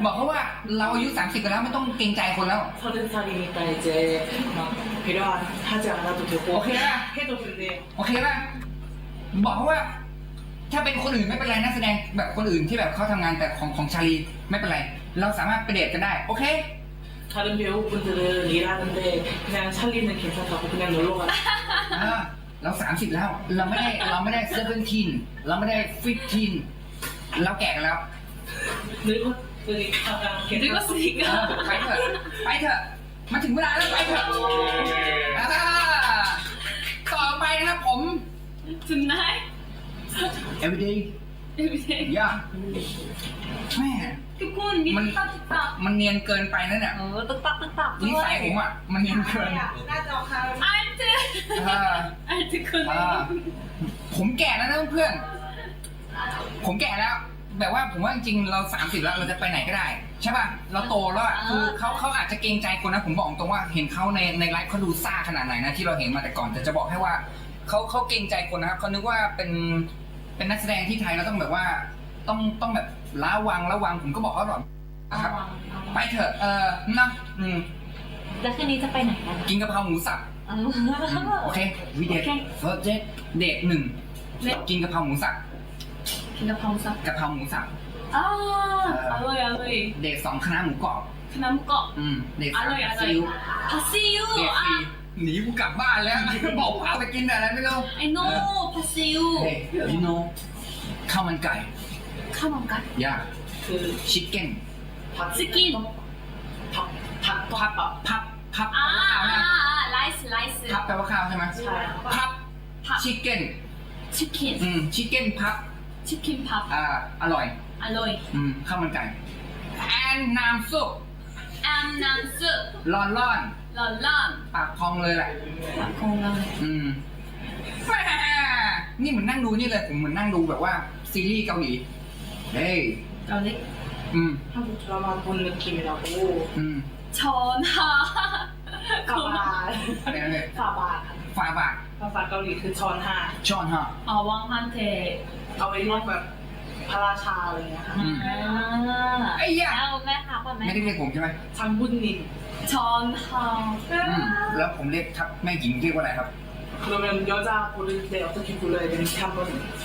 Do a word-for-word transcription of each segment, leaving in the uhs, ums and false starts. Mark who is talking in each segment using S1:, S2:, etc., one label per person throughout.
S1: บอกเขาว่าเราอายุสามสิบกันแล้วไม่ต้องเกรงใจคนแล้วโอเคป่ะโอเคป่ะบอกเขาว่าถ้าเป็นคนอื่นไม่เป็นไรนักแสดงแบบคนอื่นที่แบบเขาทำงานแต่ของของชาลีไม่เป็นไรเราสามารถไปเดทกันได้โอเค
S2: 다른 배우분들은 일하는데 그냥 찰리는 괜찮다고 그냥 놀러 가.
S1: เราสามสิบแล้วเราไม่ได้เราไม่ได้เซเว่นทีนเราไม่ได้ฟิฟทีนเราแก่กันแล้ว
S2: 늙었 여기 가장
S3: 늙었으니까
S1: ไปเถอะไปเถอะมาถึงเวลาแล้วไปเถอะต่อไปนะครับผม
S3: tonight
S1: everyday
S3: everyday
S1: ย่าแม่
S3: ทุกคนมีตุ๊กตาตุ๊กตา
S1: มันเนียนเกินไปนั่นเนี่ย
S3: เออตุ๊กตาตุ๊กตา
S1: นิสัยผมอ่ะมันเนียนเกิน
S2: หน้าจอค่ะ
S3: อาร์ต
S1: อ่า
S3: อาร์ตคน
S1: อ่าผมแก่แล้วนะเพื่อนผมแก่แล้ว แบบว่าผมว่าจริงๆเราสามสิบแล้วเราจะไปไหนก็ได้ใช่ป่ะเราโตแล้วอะคือเขาเขาอาจจะเกรงใจคนนะผมบอกตรงว่าเห็นเขาในในไลฟ์เขาดูซ่าขนาดไหนนะที่เราเห็นมาแต่ก่อนแต่จะบอกให้ว่าเขาเขาเกรงใจคนนะครับเขานึกว่าเป็นเป็นนักแสดงที่ไทยเราต้องแบบว่าต้องต้องแบบระวังระวังผมก็บอกเขาหรอกนะครับไปเถอะเออนะอืม
S3: แล้วคืนนี้จะไปไหนกัน
S1: กินกะเพราหมูสับ
S3: เออ
S1: โอเควีเดท
S3: โอเค
S1: เฟิร์สเดทเดทหนึ่งกินกะเพราหมูสับ
S3: กินกะเพราสับ
S1: กะเพราหมูสับ
S3: อ่าอร่อยอร่อย
S1: เดทสองคณะหมูกรอบ
S3: ขนมกรอบ
S1: อืมเดท
S3: อ
S1: สาม
S3: ร่อยอร่อย
S1: ซีอิ๊ว
S3: ผัดซีอิ๊ว
S1: เดท
S3: อ่ะ
S1: สี่หนีกูกลับบ้านแล้ว บอกพาไปกินแต่อะไรไม่รู้
S3: I know ผัดซีอิ๊ว
S1: เฮ้ยยูโน่ข้าวมันไก่
S3: ข้าวมันไก่
S1: ย่า
S2: 그
S1: ชิคเก้น
S3: สกิน
S2: 밥, 밥,
S1: พับพับพับ
S3: อ่า
S1: ข้าวนะ
S3: ไลซ์ไลซ์
S1: พับแปลว่าข้าวใช่ไหม
S2: 잘.
S1: พับ
S3: ผัด
S1: ชิคเก้น
S3: ชิคกิน
S1: อืมชิคเก้นพับ
S3: ชิคกินผัด
S1: อ่าอร่อย
S3: อร่อย
S1: อืมข้าวมันไก่แอนน้ำซุป
S3: แอมน้ำซุป
S1: ร้อนร้อน
S3: ร้อนร้อน
S1: ปากพองเลยแหละ
S3: ผักคงเลย
S1: อืมแหม่นี่เหมือนนั่งดูนี่เลยผมเหมือนนั่งดูแบบว่าซีรีส์เกาหลีเฮ้ย
S3: เกาหลี
S1: อืม
S2: 한국 드라마 본 느낌이라고.
S1: อืม
S3: ช้อนค่ะ
S2: 가발.
S1: อะไรนะเนี่ย
S2: 가발.
S1: ฝาบาท
S2: 가발 가오리 그 전하.
S1: ช้อนฮะ
S3: อ๋อวังฮันเท
S2: เอาไว้เรียกแบบพระราชาอะไรเงี้ยค่ะ
S1: อืม
S3: อ่า
S1: ไอ้ยะ
S3: แล้วแม่ทักว่าแม่
S1: ไม่ได้เรียกผมใช่ไหม
S2: 장군님.
S3: ช้อนค่ะ
S1: อืมแล้วผมเรียกทับแม่หญิงเรียกว่าอะไรครับ
S2: 그러면 여자 부를 때 어떻게 불러야 되는지 한번.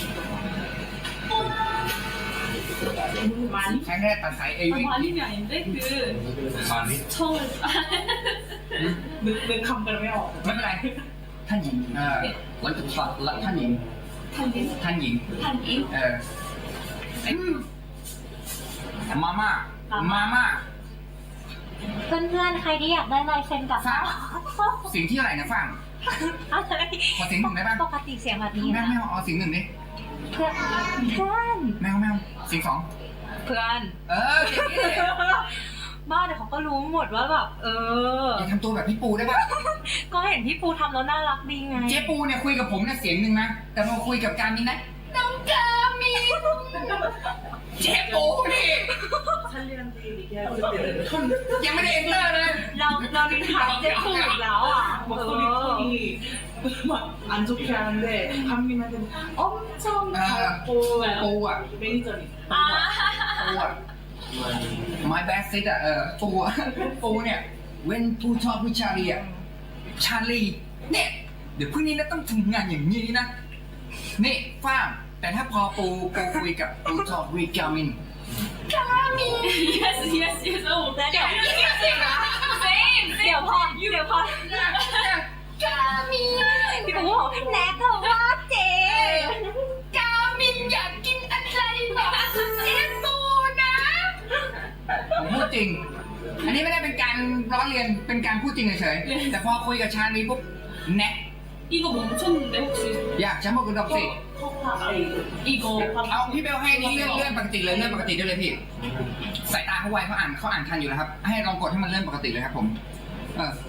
S2: 많이?
S1: ใช้แค่ตัดสายเอ
S3: 아,
S1: วิ
S3: 말림이 아닌데 그
S1: มานิ
S3: 처음
S2: นึกนึกคำกันไม่ออก
S1: ไม่เป็นไร ท่านหญิงเออวันจุดสอดละท่านหญิง
S3: 탄인
S1: ท่านหญิง
S3: 탄인
S1: เอออืมมาม่ามาม่า
S4: เพื่อนๆ ใครที่อยากได้ลายเซ็นกับ
S1: ฟังเสียงที่อะไรนะฟัง
S4: อะไร
S1: ขอเสียงหนึ่งได้ปะ
S4: ปกติเสียงแบบนี้
S1: แม่
S4: นะ
S1: ไม่เอาเอาเสียงหนึ่งดิ
S4: เพื่อนเพื่อน
S1: แมวแมวเสียงสอง
S4: เพื่อน
S1: เออเสียงนี้เลย
S4: บ้าเดี๋ยวเขาก็รู้หมดว่าแบบเออ
S1: อย่าทำตัวแบบพี่ปูได้ปะ
S4: ก็เห็นพี่ปูทำแล้วน่ารักดีไง
S1: เจ๊ปูเนี่ยคุยกับผมเนี่ยเสียงหนึ่งนะ แต่พอคุยกับการมินนะน้องกามินเจ๊ปูนี่
S2: 찰리한테 얘기할 때는 톤
S1: ยังไม่ได้เอ็นเตอร์เลย
S4: เราเราดินถามเจ๊ปูอีกแล้วอ่ะเอ
S2: 목소리
S4: อ
S2: 톤이 막 안 좋게 하는데 한민한테는 엄청
S1: 아.
S2: 밝고
S1: ปูอ่ะ
S2: 매니저니
S3: อ่า
S1: ปูอ่ะ my best sit อ่ะเออปูอ่ะปูเนี่ยเว้นผู้ชอบผู้ชาลีอ่ะชาลีเนี่ยเดี๋ยวพรุ่งนี้นะต้องทำงานอย่างนี้นะนี่ฟ้างแต่ถ้าพอปูปูคุยกับปูชอบวิกามิน
S3: yes yes yes โอ้
S4: แล้วเดี๋ยว
S3: same
S4: เดี๋ยวพอเดี๋ยวพอ
S1: กามิน
S4: พี่ปูบอกแน็กเธอว่าเจ๊
S1: กามินอยากกินอะไรบอกเจ๊ปูนะผมพูดจริง อันนี้ไม่ได้เป็นการล้อเลียนเป็นการพูดจริงเฉยๆแต่พอคุยกับชาลีปุ๊บแน็ก
S3: 이거 멈췄는데 혹시
S1: อยากจะมาคุณดอกสิ
S3: 이거
S1: เอาพี่เบลให้นี่เลื่อนเลื่อนปกติเลยเลื่อนปกติได้เลยพี่สายตาเขาไวเขาอ่านเขาอ่านทันอยู่แล้วครับ ให้ลองกดให้มันเลื่อนปกติเลยครับผมเออ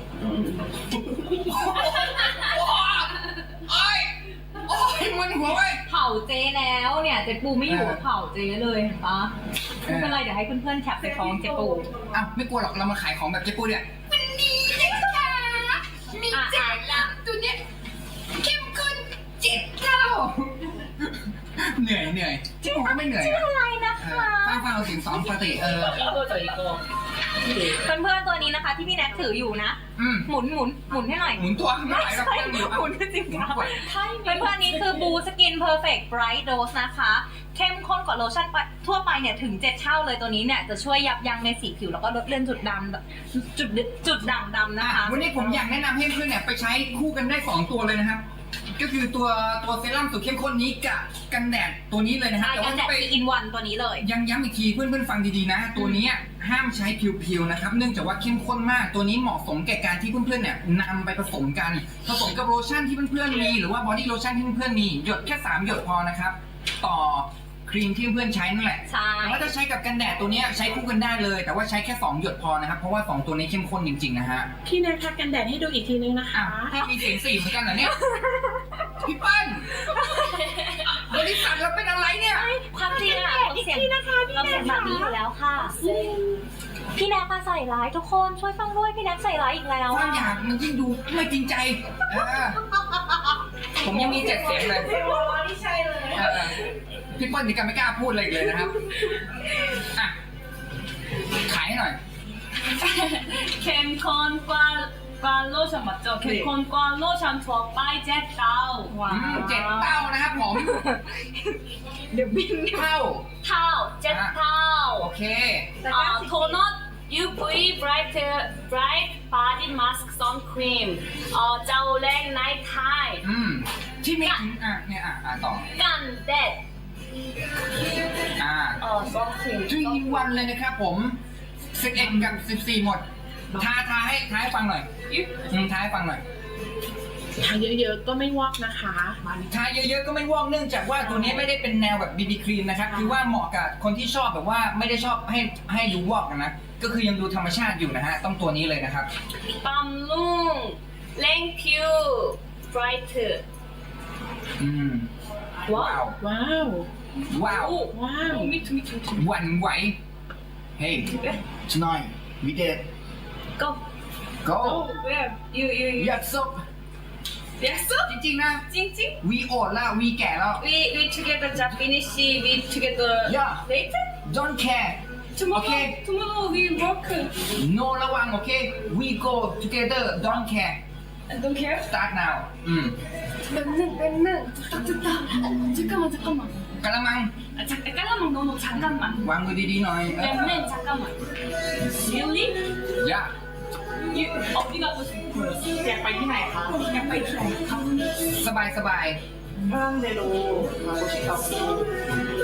S1: โอ้ยโอ้ยมันหัวไว้
S4: เผาเจ๊แล้วเนี่ยเจ๊ปูไม่อยู่เผาเจ๊เลยเห็นปะไม่เป็นไรเดี๋ยวให้เพื่อนๆแคปไปฟ้องเจ๊ปู
S1: อ้าวไม่กลัวหรอกเรามาขายของแบบเจ๊ปูเนี่ยวันนี้นะคะมีเจ็ดลังตัวเนี้ยเข้มข้นเจ็ดเท่าเหนื่อยเหนื่อยเจ๊ปูก็ไม่เหนื่อย
S4: ชื่อ
S1: อะ
S4: อะไรนะ
S1: เอ
S4: คะ
S1: อฟังฟังเอาเสียงสองปกติเออ
S2: 이거죠 이거. 네.
S4: เพื่อนๆตัวนี้นะคะ ที่พี่แน็กถืออยู่นะ
S1: อืม
S4: หมุนหมุนหมุนให้หน่อย
S1: หมุนตัวไม่ไหวแล้ว
S4: ใช่
S1: เพื่อนอยู่
S4: หมุนจริง
S1: หมุน
S4: ๆ
S1: กว่า
S4: เพื่อนๆนี้คือบูสกินเพอร์เฟกต์ไบรท์โดสนะคะ เข้มข้นกว่าโลชั่นทั่วไปเนี่ยถึงเจ็ดเท่าเลยตัวนี้เนี่ยจะช่วยยับยั้งในสีผิวแล้วก็ลดเลือนจุดดำจุดจุดด่างดำนะคะ
S1: วันนี้ผมอยากแนะนำให้เพื่อนเนี่ยไปใช้คู่กันได้สองตัวเลยนะครับ ก็คือตัวตัวเซรั่มสูตรเข้มข้นนี้กับกันแดดตัวนี้เลยนะฮะ
S4: ใช่
S1: แต่
S4: กั
S1: ว่าน
S4: แด
S1: จะ
S4: ด
S1: ไป
S4: อินวันตัวนี้เลย
S1: ยังย้ำอีกทีเพื่อนๆฟังดีๆนะ ตัวนี้ห้ามใช้เพียวๆนะครับเนื่องจากว่าเข้มข้นมากตัวนี้เหมาะสมแก่การที่เพื่อนๆเนี่ยนำไปผสมกันผสมกับโลชั่นที่เพื่อนๆมีหรือว่าบอดี้โลชั่นที่เพื่อนๆมีหยดแค่สามหยดพอนะครับต่อครีมที่เพื่อนๆใช้นั่นแหละ
S4: ใช่
S1: แต่ว่าถ้าใช้กับกันแดดตัวเนี้ยใช้คู่กันได้เลย แต่ว่าใช้แค่สองหยดพอนะครับเพราะว่าสองตัวนี้เข้มข้นจริงๆนะฮะ
S2: พี่แนททักกันแดดให้ดูอีกทีนึงนะ
S1: อ่ะ
S2: คะ
S1: ให้มีเสียงสี่เหมือนกันเหรอเนี่ยพี่เปิ้ลบริษัทเราเป็นอะไรเนี่ย
S4: ความจริงอะเราเสียงเราเสียงแบบนี้อยู่แล้วค่ะ พี่แน็กมาใส่ร้ายทุกคนช่วยฟังด้วยพี่แน็กใส่ร้ายอีกแล้ว
S1: ควา
S4: อะ
S1: มอยากมันยิ่งดูไม่จริงใจเออผมยังมีเจ็ดเสียงเลย
S2: ไม่ใช่เลย
S1: เออพี่เปิ้ลนี่ก็ไม่กล้าพูดอะไรอีกเลยนะครับอ่ะขายให้หน่อย
S3: 캠콘과 과 로션 맞죠? 캠콘과 로션 투어 바이 젯다우
S4: ว้า
S1: อืม
S4: ว
S1: เจ็ดเต้านะครับผม
S4: เดี๋ยวบิน
S1: เต้า
S3: 타우 젯타우
S1: โอเค
S3: 아, 토너 유브이 브라이트 브라이트 바디 마스크 선크림 어 자오랭 나이트 타임
S1: อืมที่มีถึงอ่ะเนี่ยอ่ะอ่ะต่อ
S3: 깐데
S1: อ่า
S3: 어 선크림
S1: ทรีอินวันเลยนะครับผมสิบเอ็ดกับสิบสี่หมดทาทาให้ทาให้ฟังหน่อยอืมทาให้ฟังหน่อย
S2: ทาเยอะๆก็ไม่วอกนะคะ
S1: ทาเยอะๆก็ไม่ว่องเนื่องจากว่าตัวนี้ไม่ได้เป็นแนวแบบบีบีครีมนะครับคือว่าเหมาะกับคนที่ชอบแบบว่าไม่ได้ชอบให้ให้ดูวอกนะก็คือยังดูธรรมชาติอยู่นะฮะต้องตัวนี้เลยนะครับ
S3: 빰룽 랭큐 브라이트
S1: อืมว้าว
S2: ว้าว
S1: ว้าว
S3: 오
S2: ว้าว
S3: 오, 미투 미투 미투
S1: หวั่นไหวเฮ้ยชนอยวิเด
S3: go
S1: go
S3: oh where you you you
S1: ยัดซบ
S3: 약속
S1: จริงๆนะ
S3: 찡찡
S1: วีโอดแล้ววีแก่แล้ว
S3: we we together just finish we together
S1: Yeah.
S3: later
S1: don't care
S3: tomorrow
S1: Okay.
S3: tomorrow we work
S1: no ระวังโอเค we go together don't care
S3: I don't care
S1: start now อืม
S3: 맨날 맨날 됐다 됐다 잠깐만 잠깐만
S1: กระมัง
S3: 아, 잠깐 깔라만 너무 잠깐만
S1: วางมือดีๆหน่อยเออ
S3: 맨날 잠깐만 really
S1: อย่า
S3: you 어디 가고 싶어
S2: อยากไปที่ไหนคะ
S3: อยากไปที่ไหนคะ
S1: สบายสบาย
S2: 랑 내로 가고 싶다고